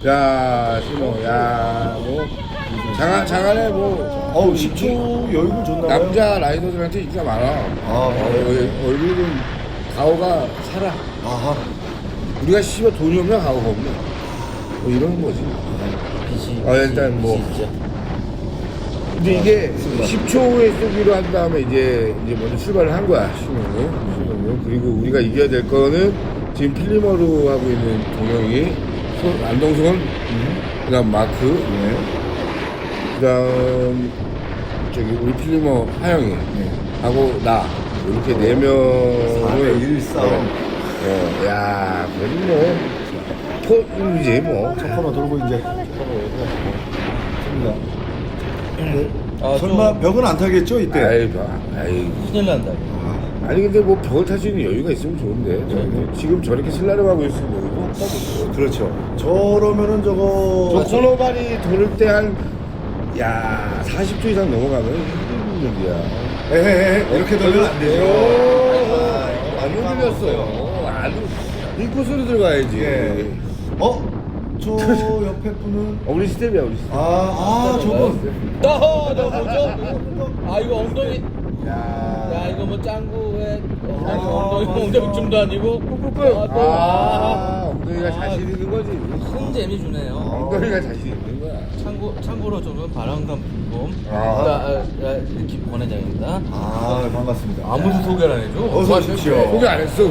야, 신호, 야, 뭐 장안에 뭐 10초 여유는 줬나 봐요. 남자 라이더들한테 인기가 많아. 얼굴은 가오가 살아. 아하. 우리가 씨발 돈이 없냐 가오가 없냐. 뭐 이런 거지. 일단 뭐. 근데 이게 10초에 쏘기로 한 다음에 이제 먼저 출발을 한 거야, 신호는. 그리고 우리가 이겨야 될 거는 지금 필리머로 하고 있는 동영이, 안동선, 그 다음 마크, 그 다음 저기 우리 필리머 하영이, 하고 나, 이렇게 4명을 4대1 싸움. 야, 그래도 뭐, 토이지 뭐. 첫 코너 돌고 이제. 설마 벽은 안 타겠죠 이때? 아이. 큰일 난다. 아니 근데 뭐 벽을 탈 수 있는 여유가 있으면 좋은데 지금 저렇게 슬라임하고 있으면 뭐 그렇죠. 저러면은 저 저거 코너발이 돌을 때 한 40초 이상 넘어가면 힘든 일이야. 에헤헤 이렇게 돌면 안 되죠. 안 들렸어요. 안 인코스로 들어가야지. 예. 저 옆에 분은 우리 스텝이야 우리 스텝. 저분. 너 뭐죠? 이거 엉덩이. 야 이거 뭐 짱구에 엉덩이춤도 아니고 엉덩이가 자신 있는 거지. 큰 재미 주네요. 엉덩이가 자신 있는 거야. 참고로 저는 바람감 불곰 이렇게 권회장입니다. 반갑습니다. 아무도 소개를 안 해줘. 어서 오십시오. 소개 안 했어.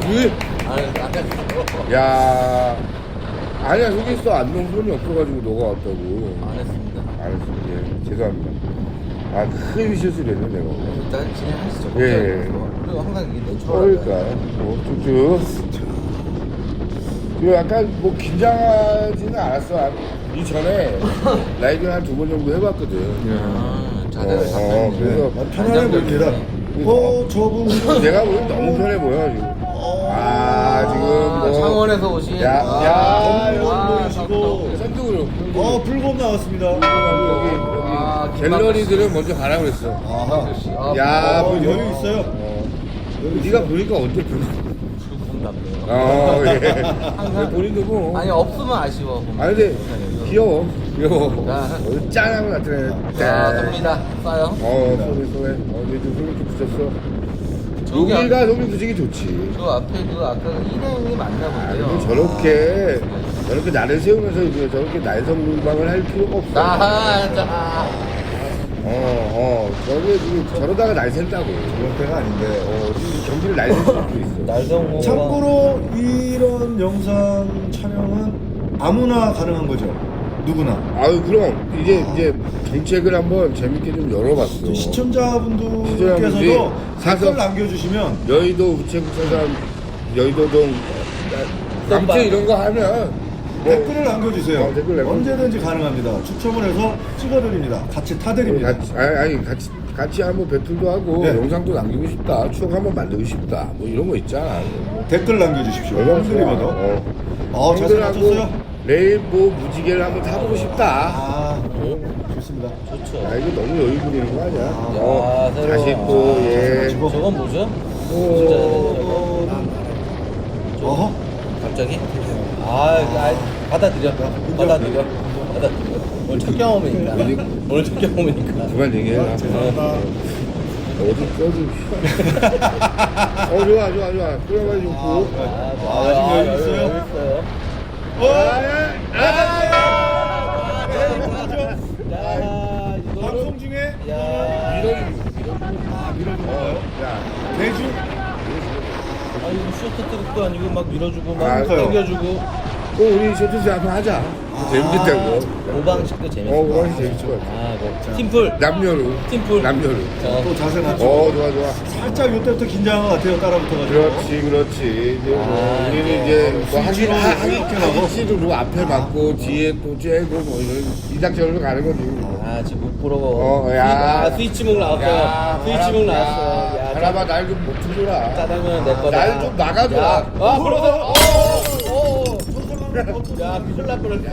아까 야, 아니야 소개했어. 안동 손이 없어가지고 너가 왔다고. 안 했습니다. 알았어. 예, 죄송합니다. 큰 실수를 했네 내가. 일단 진행하시죠. 예. 그리고 항상 이게 내 그러니까 뭐 쭉쭉. 그리고 약간 뭐 긴장하지는 않았어. 이 전에 라이딩 한 2번 정도 해봤거든. 자세를 그래서 편안해 보입니다. 저분 내가 보기엔 너무 편해 보여 지금. 지금 뭐 창원에서 오신 보이시고 선두그룹. 불곰 나왔습니다. 여기 갤러리들은 먼저 가라 그랬어. 여유 있어요. 네가 보니까 언제 불고? 예. 본인도 뭐. 아니 없으면 아쉬워. 근데 귀여워. 짠하고 나타내. 쏩니다. 쏴요. 쏘네. 이제 좀 소리 붙였어. 여기가 소리 붙이기 좋지. 그 앞에 아까 일행이 맞나 본데요. 저렇게 나를 세우면서 이제 저렇게 날성방을 할 필요가 없어. 저게 지금 저러다가 날 샌다고. 그럴 때가 아닌데. 지금 경기를 날 샌 수도 있어. 날성호. 참고로 이런 영상 촬영은 아무나 가능한 거죠. 누구나. 그럼 이제 정책을 한번 재밌게 좀 열어봤어. 시청자분들께서도 사서 댓글 남겨주시면 여의도 우체국사장 여의도동 아무튼 이런 거 하면 댓글을 남겨주세요. 댓글 남겨주세요. 언제든지 가능합니다. 추첨을 해서 찍어드립니다. 같이 타드립니다. 같이 한번 배틀도 하고 네. 영상도 남기고 싶다. 추억 한번 만들고 싶다. 뭐 이런 거 있잖아. 댓글 남겨주십시오. 얼마나 형들이마다. 자세 형들하고 맞췄어요? 레인보우 무지개를 한번 타보고 싶다. 좋습니다. 좋죠. 이거 너무 여유 부리는 거 아니야? 새로워. 다시 또 저건 뭐죠? 어허. 갑자기? 받아들여. 오늘 첫 경험이니까. 그만 얘기해. 어디 써지. 좋아. 끌어가지 좋고. 아직 여유 있어요? 방송 중에 밀어주는 거예요? 대주? 이거 쇼트트랙도 아니고 막 밀어주고 막 그러니까요. 당겨주고. 또 우리 쇼트스 한번 하자. 재밌겠다고. 오방식도 재밌어. 오방식 재밌을 것 같아. 팀풀. 남녀로. 팀풀. 또 자세 맞춰. 좋아. 살짝 이때부터 긴장한 것 같아요. 따라붙어가지고. 그렇지. 이제 우리는 이제 뭐 하기치로 앞에 맞고 뒤에 또 쬐고 뭐 이런 이닥저로 가는 거지. 지금 못 보러. 스위치목 나왔어요. 스위치목 나왔어요. 바라봐 날 좀 못 틀어라. 짜장면 내 거다. 날 좀 막아줘라. 그러다. 큰일 날 뻔했어.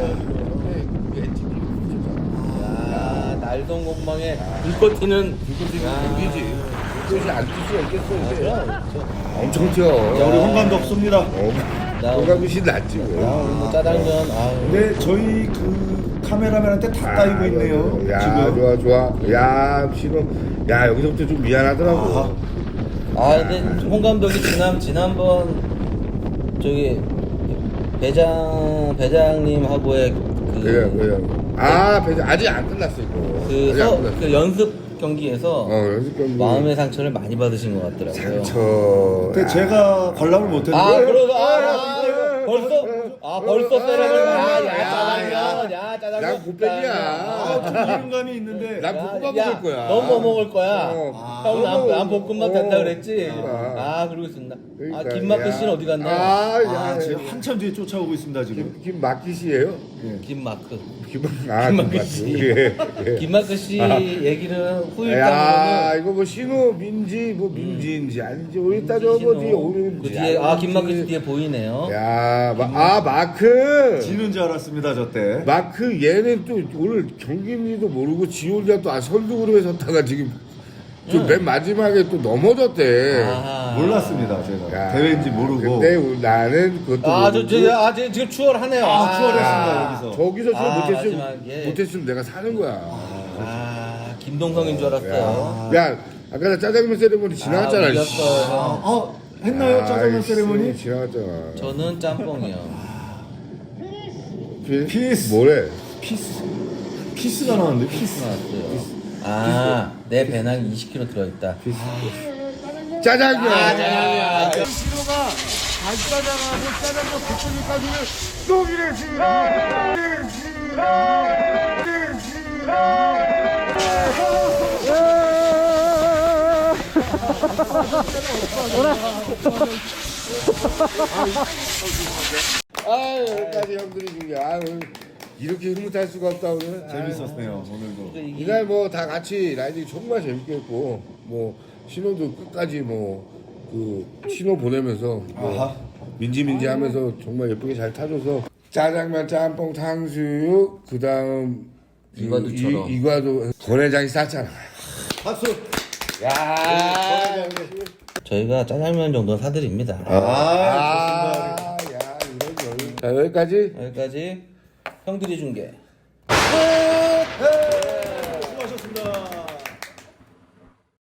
날성공방에 불꽃 튀는 이지. 그것이 안 뛸 수가 있겠어 이제. 엄청 튀어. 우리 홍감도 없습니다. 거기가 훨씬 낫지 뭐. 짜장면. 아, 근데 저희 그 카메라맨한테 다 따이고 있네요. 야, 지금. 좋아. 야, 신호. 야, 여기서부터 좀 미안하더라고. 근데 홍 감독이 지난번 저기 배장님하고의 그래요. 아, 배장 아직 안 끝났어 이거. 아직 안 끝났어. 그 연습 경기에서 연습 경기. 마음의 상처를 많이 받으신 것 같더라고요. 상처. 근데 제가 관람을 못했는데. 벌써 세레머니. 야, 짜장면. 난 곱빼기야. 좀 이른감이 있는데. 난 볶음밥 먹을 거야. 넌 뭐 먹을 거야? 형, 난 볶음밥 된다 그랬지? 그러니까. 그러고 있습니다. 그러니까, 김마크 야. 씨는 어디 갔나요? 제가 한참 뒤에 쫓아오고 있습니다 지금. 김마키 씨예요? 김마크. 김마키 씨. 예. 김마크 씨 얘기는 야, 후일담으로는 이거 뭐 신호 민지 뭐 민지인지 아닌지 우리 따져보 뒤에 오는지. 그 뒤에 김마크 씨 뒤에 보이네요. 야, 마크. 지는 줄 알았습니다 저 때. 마크 얘는 또 오늘 경기인지도 모르고 지 혼자 또 선두 그룹에 섰다가 지금 좀 맨 마지막에 또 넘어졌대. 몰랐습니다 제가. 야, 대회인지 모르고. 근데 나는 그것도 모르고 지금 추월하네요. 추월했습니다 여기서. 저기서 못했으면 마지막에. 못했으면 내가 사는 거야. 김동성인 줄 알았어요. 야, 아까 나 짜장면 세레머니 지나갔잖아. 울렸어요. 했나요 짜장면 세레머니? 지나갔잖아. 저는 짬뽕이요. 피스. 뭐래? 피스가 나왔는데 피스. 나왔어요. 내 배낭 20kg 들어있다. 짜장면. 신호가 간짜장하고 짜장면 볶음까지는 똥이래 지금. 여기까지 형들이 중요해. 오늘 이렇게 흐뭇할 수가 없다 오늘. 재밌었네요 오늘도. 이날 뭐 다 같이 라이딩 정말 재밌게 했고 뭐 신호도 끝까지 뭐 그 신호 보내면서 뭐 민지 하면서 정말 예쁘게 잘 타줘서 짜장면 짬뽕 탕수육 그 다음 이과도처럼. 이과도 권회장이 쌌잖아. 박수. 야, 저희가 짜장면 정도는 사드립니다. 야, 이런 여유. 자 여기까지. 여기까지 형들이 준 게. 수고하셨습니다.